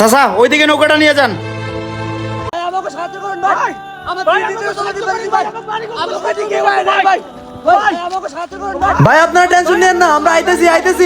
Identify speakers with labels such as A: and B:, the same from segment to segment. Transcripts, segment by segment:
A: চাচা ওইদিকে নৌকাটা নিয়ে যান।
B: আমাকে সাহায্য করুন ভাই।
C: ভাই আপনারা টেনশন নেন না, আমরা আইতেছি।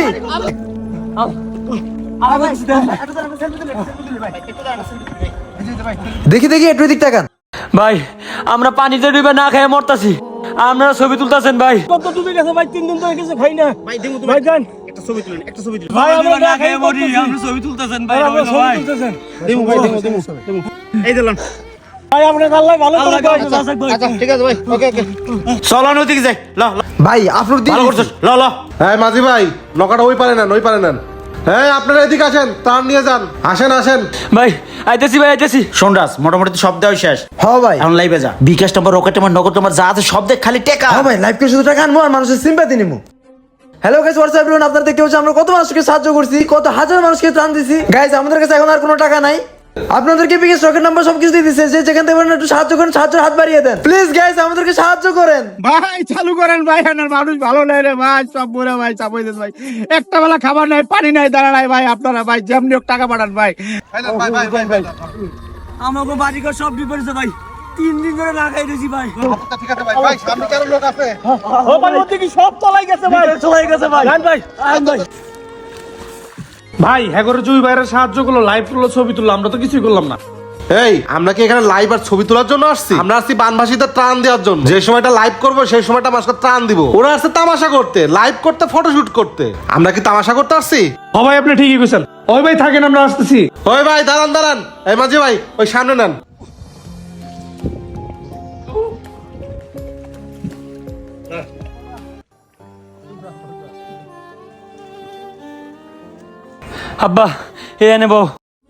C: দেখি একটু দিক তাকান।
D: ভাই আমরা পানিতে ডুবে না খেয়ে মরতাছি, আপনারা ছবি তুলতাছেন ভাই।
B: কত ডুবে গেছে ভাই, 3 দিন ধরে কিছু খাই না
A: ভাই দিমু তো
B: ভাই জান।
A: একটা ছবি তুলেন, একটা ছবি তুলেন।
B: ভাই আমরা না খেয়ে মরি,
D: আপনি ছবি তুলতাছেন ভাই।
B: আমরা ছবি
D: ভাই
B: তুলতেছেন।
A: দিমু ভাই দিমু। এই দিলাম।
B: ভাই আপনার আল্লাহ ভালো করে দেয়।
A: আচ্ছা ঠিক আছে ভাই, ওকে ওকে। চলো নদীকে যাই। ল ল
C: ভাই আপনার দিন
A: ভালো করছিস, ল ল।
E: হ্যাঁ মাঝি ভাই, নৌকাটা ওই পারে নেন। হ্যাঁ আপনারা এদিকে আসেন, ত্রাণ নিয়ে যান। আসেন।
D: ভাই আইতেছি ভাই আইতেছি।
A: শোনরাস মোটামুটি সব দেওয়া শেষ।
C: হ্যাঁ ভাই,
A: এখন লাইভে যা। BKash number, Rocket number, Nagad number যা আছে সব দেখ, খালি টেকা।
C: হ্যাঁ ভাই, লাইভ কে শুধু টাকা আনবো আর মানুষের সিম্পাথি নিবো। Hello guys, what's up everyone, আপনারা দেখতে পাচ্ছেন আমরা কত মানুষকে সাহায্য করছি, কত হাজার মানুষকে ত্রাণ দিছি। গাইস আমাদের কাছে এখন আর কোনো টাকা নাই, আপনাদেরকে বিকাশ রকেট নাম্বার সবকিছু দিয়ে দিচ্ছে। যে যেখান থেকে পারেন একটু সাহায্য করেন, সাহায্যের হাত বাড়িয়ে দেন প্লিজ গাইস, আমাদেরকে সাহায্য করেন
B: ভাই চালু করেন ভাই, আমার মানুষ ভালো নাই রে ভাই, সব বুড়া ভাই চাপাই দেন ভাই। একটা বেলা খাবার নাই, পানি নাই, দাঁড়া নাই ভাই। আপনারা ভাই যেমনি হোক টাকা পাঠান ভাই।
D: আমাকে বাড়িঘর সব বিপরীতে ভাই, 3 দিন ধরে না খাই দিয়েছি ভাই।
E: ঠিক আছে ভাই, সামনে কেন লোক আছে?
B: ও ভাই ওদিকে কি সব তলাই গেছে ভাই,
D: চলে গেছে ভাই।
B: জান ভাই আইন ভাই।
F: ভাই হ্যাঁ করে জুই ভাইয়ের সাহায্য করলো, লাইভ করলো, ছবি তুললো, আমরা তো কিছুই করলাম না।
E: এই আমরা কি এখানে লাইভ আর ছবি তোলার জন্য আসছি? আমরা আসছি বানভাসীদের ত্রাণ দেওয়ার জন্য। যে সময়টা লাইভ করবো সেই সময়টা মানুষকে ত্রাণ দিব। ওরা আসছে তামাশা করতে, লাইভ করতে, ফটোশুট করতে। আমরা কি তামাশা করতে আসছি?
F: ও ভাই আপনি ঠিকই কইছেন। ওই ভাই থাকেন, আমরা আসতেছি।
E: ওই ভাই দাঁড়ান। এই মাঝি ভাই ওই সামনে নেন।
D: আব্বা এ এনে বউ,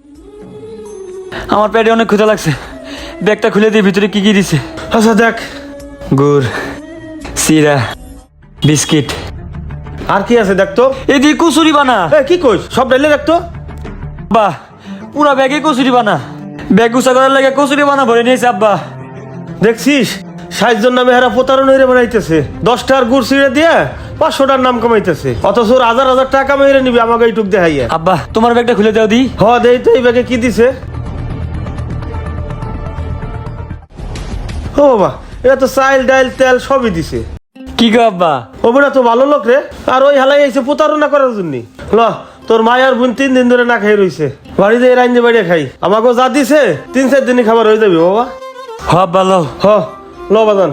D: আমার পেটে অনেক ক্ষুধা লাগছে। ব্যাগটা খুলে দিয়ে ভিতরে কি কি দিছে।
F: আচ্ছা দেখ,
D: গুড়, সিরা, বিস্কিট।
F: আর কি আছে দেখতো।
D: এদিকে কচুরি বানা।
F: কি কইস, সব ডাইলে দেখতো।
D: আব্বা পুরা ব্যাগে কচুরি বানা, ব্যাগ গুছা করার লাগে কচুরি বানা ভরে নিয়েছে আব্বা।
F: দেখছিস 60 জন নামে হেরা প্রতারণ হইরে বানাইতেছে। 10 টাকার গুড় ছিঁড়ে দিয়ে 500 টাকার নাম কামাইতেছে, অথচ ওর হাজার হাজার টাকা মেরে নিবি আমাকে এইটুক দেখাইয়া।
D: আব্বা তোমার ব্যাগটা খুলে দাও দি।
F: হ দেই তো, এই ব্যাগে কি দিছে? ও বাবা, এটা তো চাইল ডাইল তেল সবই দিছে।
D: কি গো আব্বা?
F: ও বেটা তো ভালো লোক রে, আর ওই হালাই আইছে প্রতারণা করার জন্য। ল তোর মা আর বোন 3 দিন ধরে না খাই রইছে, বাড়িতে রাইন্দে বাড়িয়ে খাই। আমাকেও যা দিছে 3-4 দিনই খাবার হয়ে যাবে বাবা।
D: হ আব্বা লও।
F: হ ল বাজান।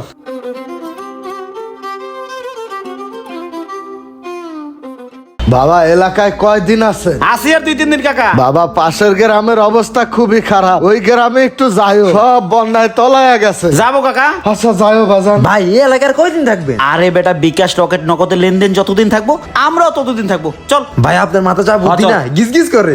G: বাবা এলাকায় কয়দিন আছে?
A: আসি আর 2-3 দিন কাকা।
G: বাবা পাশের গ্রামের অবস্থা খুবই খারাপ, ওই গ্রামে একটু যাইও, সব বন্যায় তলায় গেছে।
A: যাবো কাকা।
G: আচ্ছা যাইও বাজান।
C: ভাই এই এলাকার কয়দিন থাকবেন?
A: আরে বেটা, বিকাশ রকেট নগদের লেনদেন যতদিন থাকবো আমরাও ততদিন থাকবো। চল
C: ভাই আপনার মাথা চা বুদ্ধি
A: চল।
C: না, গিজ করে।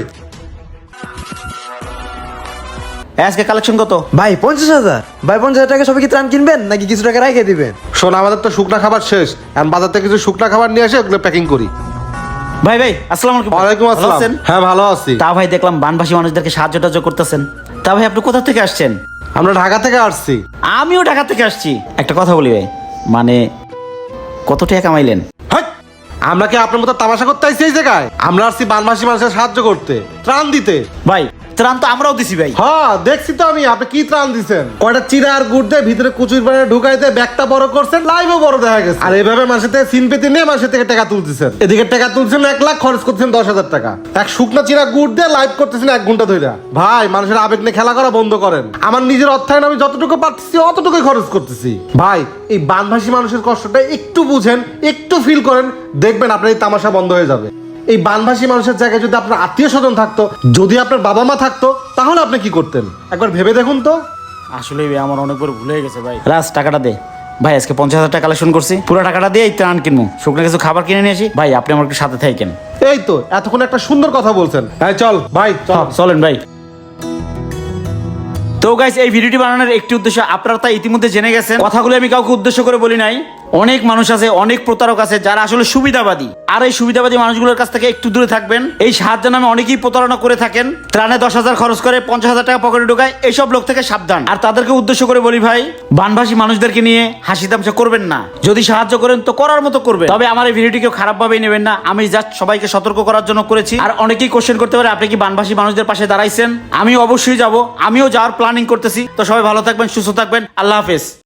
A: আজকে কালেকশন কত?
C: ভাই 50,000। ভাই 50,000 টাকা সবাই কি ত্রাণ কিনবেন নাকি কিছু টাকা রেখে দিবেন?
E: শোন, আমাদের তো শুকনা খাবার শেষ, এখন বাজার থেকে কিছু শুকনা খাবার নিয়ে এসে ওগুলো প্যাকিং করি।
A: ভাই আসসালামু আলাইকুম।
E: ওয়ালাইকুম
A: ভালো
E: আসসালাম।
A: আছেন?
E: হ্যাঁ ভালো আছি।
A: তা ভাই দেখলাম বানভাসী মানুষদেরকে সাহায্য করতেছেন। তা ভাই আপনি কোথা থেকে আসছেন?
E: আমরা ঢাকা থেকে আসছি।
A: আমিও ঢাকা থেকে আসছি। একটা কথা বলি ভাই, মানে কত টাকা কামাইলেন?
E: হাট! আমরা কি আপনার মতো তামাশা করতে আইছি এই জায়গায়? আমরা আসছি বানভাসী মানুষের সাহায্য করতে, ত্রাণ দিতে।
A: ভাই ত্রাণ তো আমরাও দিছি ভাই।
E: হ্যাঁ দেখছি তো আমি, আপনি কি ত্রাণ দিচ্ছেন। কয়টা চিরা আর গুড় দিয়ে ভিতরে কুচুর পাড়ে ঢুকাইতে ব্যাগটা বড় করছেন, লাইভও বড় দেখা গেছে। আর এইভাবে মানুষের থেকে সিন পেতে নিয়ে মানুষের থেকে টাকা তুলতেছেন। এদিকে টাকা তুলছেন 1 লাখ, খরচ করতেছেন 10,000 টাকা। এক শুকনা চিরা গুড় দিয়ে লাইভ করতেছেন 1 ঘন্টা ধরে। ভাই মানুষের আবেগ নিয়ে খেলা করা বন্ধ করেন। আমার নিজের অর্থায়ন আমি যতটুকু পারতেছি অতটুকুই খরচ করতেছি। ভাই এই বানভাসী মানুষের কষ্টটা একটু বুঝেন, একটু ফিল করেন, দেখবেন আপনার এই তামাশা বন্ধ হয়ে যাবে। এই বানভাসী মানুষের জায়গায় যদি আপনার আত্মীয় স্বজন থাকতো, যদি আপনার বাবা মা থাকতো, তাহলে আপনি কি করতেন একবার ভেবে দেখুন তো।
A: আসলে ভাই আমার অনেক বড় ভুল হয়ে গেছে ভাই। রাজ টাকাটা দে ভাই, আজকে 50,000 টাকা কালেকশন করছি। পুরো টাকাটা দিয়ে এই ত্রাণ কিনবো, শুকনো কিছু খাবার কিনে নিয়ে আসি। ভাই আপনি আমার একটু সাথে থাকেন।
E: এই তো এতক্ষণ একটা সুন্দর কথা বলছেন। হ্যাঁ চল ভাই চল।
A: চলেন ভাই। তো গাইস এই ভিডিওটি বানানোর একটি উদ্দেশ্য আপনারা তা ইতিমধ্যে জেনে গেছেন। কথাগুলো আমি কাউকে উদ্দেশ্য করে বলি নাই, অনেক মানুষ আছে, অনেক প্রতারক আছে যারা আসলে সুবিধাবাদী। আর এই সুবিধাবাদী মানুষগুলোর কাছ থেকে একটু দূরে থাকবেন। এই সাহায্যের নামে অনেকেই প্রতারণা করে থাকেন, ত্রাণে 10,000 খরচ করে 50,000 টাকা পকেটে ঢোকায়। এইসব লোক থেকে সাবধান। আর তাদেরকে উদ্দেশ্য করে বলি ভাই, বানভাসী মানুষদেরকে নিয়ে হাসি তামসা করবেন না। যদি সাহায্য করেন তো করার মতো করবেন, তবে আমার এই ভিডিওটি কেউ খারাপ ভাবে নেবেন না। আমি জাস্ট সবাইকে সতর্ক করার জন্য করেছি। আর অনেকেই কোশ্চেন করতে পারে আপনি কি বানভাসী মানুষদের পাশে দাঁড়াইছেন? আমি অবশ্যই যাব, আমিও যাওয়ার প্ল্যানিং করতেছি। তো সবাই ভালো থাকবেন, সুস্থ থাকবেন, আল্লাহ হাফেজ।